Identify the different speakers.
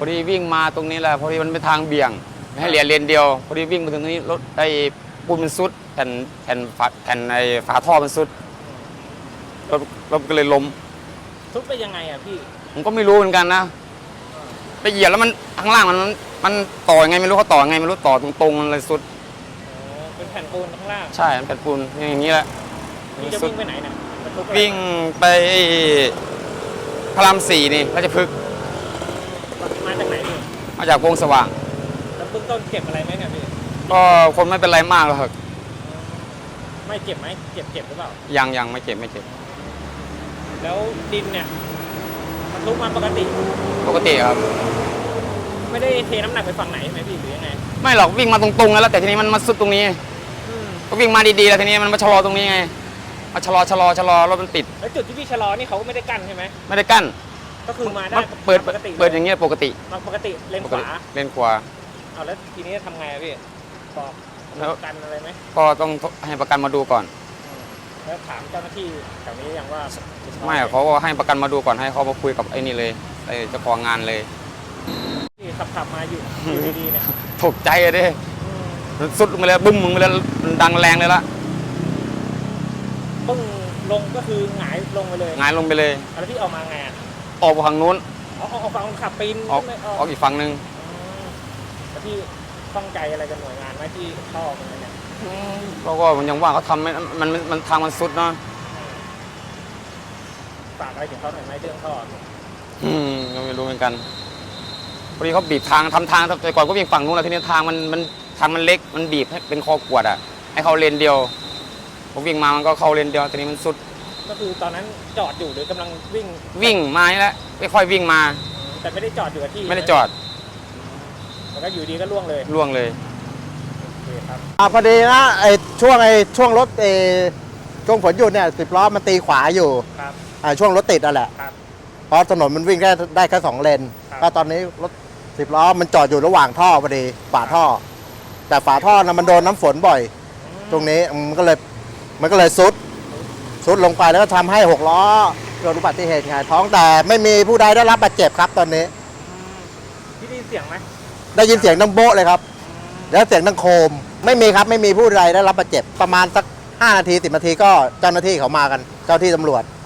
Speaker 1: อดีวิ่งมาตรงนี้แหละพอดีมันเป็นทางเบี่ยงให้เหลียเลนเดียวพอดีวิ่งมาถึงตรงนี้รถไอ้ปูนมันซุดแผ่นไอ้ฝาท่อมันซุดรถก็เลยล้ม
Speaker 2: ทุบไปยังไงอ่ะพี่
Speaker 1: ผมก็ไม่รู้เหมือนกันนะไปเหยียบแล้วมันข้างล่างมันต่อยังไงไม่รู้เขาต่อยังไงไม่รู้ต่อตรงๆมันเลยซุด
Speaker 2: เป็นแผ่นปูนข้างล่าง
Speaker 1: ใช่แผ่นปูนอย่างนี้แหละ
Speaker 2: พี่จะวิ่งไปไหนเนี่ย
Speaker 1: วิ่งไปพระราม4นี่ราชพฤกษ์
Speaker 2: มาจากไหนพี่
Speaker 1: มาจากวงสว่าง
Speaker 2: แล้วเบื้องต้นเจ็บอะไรไหมเนี่ยพี่
Speaker 1: ก็คนไม่เป็นไรมากหรอก
Speaker 2: ไม่เจ็บไหมเจ็บหรือเปล่า
Speaker 1: ยังไม่เจ็บ
Speaker 2: แล้วดินเนี่ยมันลุกมาปกติ
Speaker 1: ครับ
Speaker 2: ไม่ได้เทน้ำหนักไปฝั่งไหนใช่ไหมพี่หรือยังไง
Speaker 1: ไม่หรอกวิ่งมาตรงๆแล้วแต่ทีนี้มันมาสุดตรงนี้ก็วิ่งมาดีๆแล้วทีนี้มันมาชะลอตรงนี้ไงมาชะลอรถมันติด
Speaker 2: แล้วจุดที่พี่ชะลอนี่เขาไม่ได้กั้นใช่ไหม
Speaker 1: ไม่ได้กั้น
Speaker 2: ก็คือมาได้
Speaker 1: เปิดอย่างเงี้ยปกติ
Speaker 2: เลนขวาเอาแล้วทีนี้ทำไงพี่บอกประกันอะไรไหม
Speaker 1: ก็ต้องให้ประกันมาดูก่อน
Speaker 2: แล้วถามเจ้าหน้าที่แถวนี้ยังว่า
Speaker 1: ไม่เขาก็ให้ประกันมาดูก่อนให้เขามาคุยกับไอ้นี่เลยไอ้เจ้าของงานเลย
Speaker 2: ที่ขับมาอยู่ดีๆเนี่ย
Speaker 1: ตกใจเลยสุดลงไปเลยบึ้มมึงไปเลยดังแรงเลยละ
Speaker 2: บึ้งลงก็คือหงายลงไปเลยแล้วที่ออกมาไง
Speaker 1: ออกฝั่งนู้น
Speaker 2: ออกฝั่งขับปีน
Speaker 1: ออกอีกฝั่งนึง
Speaker 2: แล้วที่ข้องใจอะไรกับหน่วยงานไหมที่เข้าออกมาเนี่ย
Speaker 1: เราก็ยังว่าเขาทำมันทางมันสุดเนาะ
Speaker 2: ฝากอะไรถึงเขาหน่อยไหมเรื่องท่อ
Speaker 1: ก็ไม่รู้เหมือนกันพอดีเขาบีบทางทำทางแต่ก่อนก็วิ่งฝั่งนู้นแล้วทีนี้ทางมันเล็กมันบีบให้เป็นคอกวดอ่ะให้เขาเลนเดียวผมวิ่งมามันก็เข้าเลนเดียวทีนี้มันสุด
Speaker 2: ก็คือตอนนั้นจอดอยู่หรือกำลัง
Speaker 1: วิ่งมาแล้วไม่ค่อยวิ่งมา
Speaker 2: แต่ไม่ได้จอดอยู่กับที่
Speaker 1: ไม่ได้จอด
Speaker 2: แล้วก็อยู่ดีก็ล่วงเลย
Speaker 3: ครับพอดีนะช่วงรถช่วงฝนหยุดเนี่ย10 ล้อมันตีขวาอยู่ช่วงรถติดนั่นแหละเพราะถนนมันวิ่งได้แค่2 เลนก็ตอนนี้รถ10 ล้อมันจอดอยู่ระหว่างท่อพอดีฝาท่อแต่ฝาท่อนะมันโดนน้ำฝนบ่อยตรงนี้มันก็เลยซุดลงไปแล้วก็ทำให้6 ล้อเกิดอุบัติเหตุหงายท้องแต่ไม่มีผู้ใดได้รับบาดเจ็บครับตอนนี้
Speaker 2: พี่ได้ยินเสียงไหม
Speaker 3: ได้ยินเสียงดังโบ๊ะเลยครับแล้วเสียงดังโคมไม่มีครับไม่มีผู้ใดได้รับบาดเจ็บประมาณสัก5 นาที 10 นาทีก็เจ้าหน้าที่เขามากันเจ้าที่ตำรวจ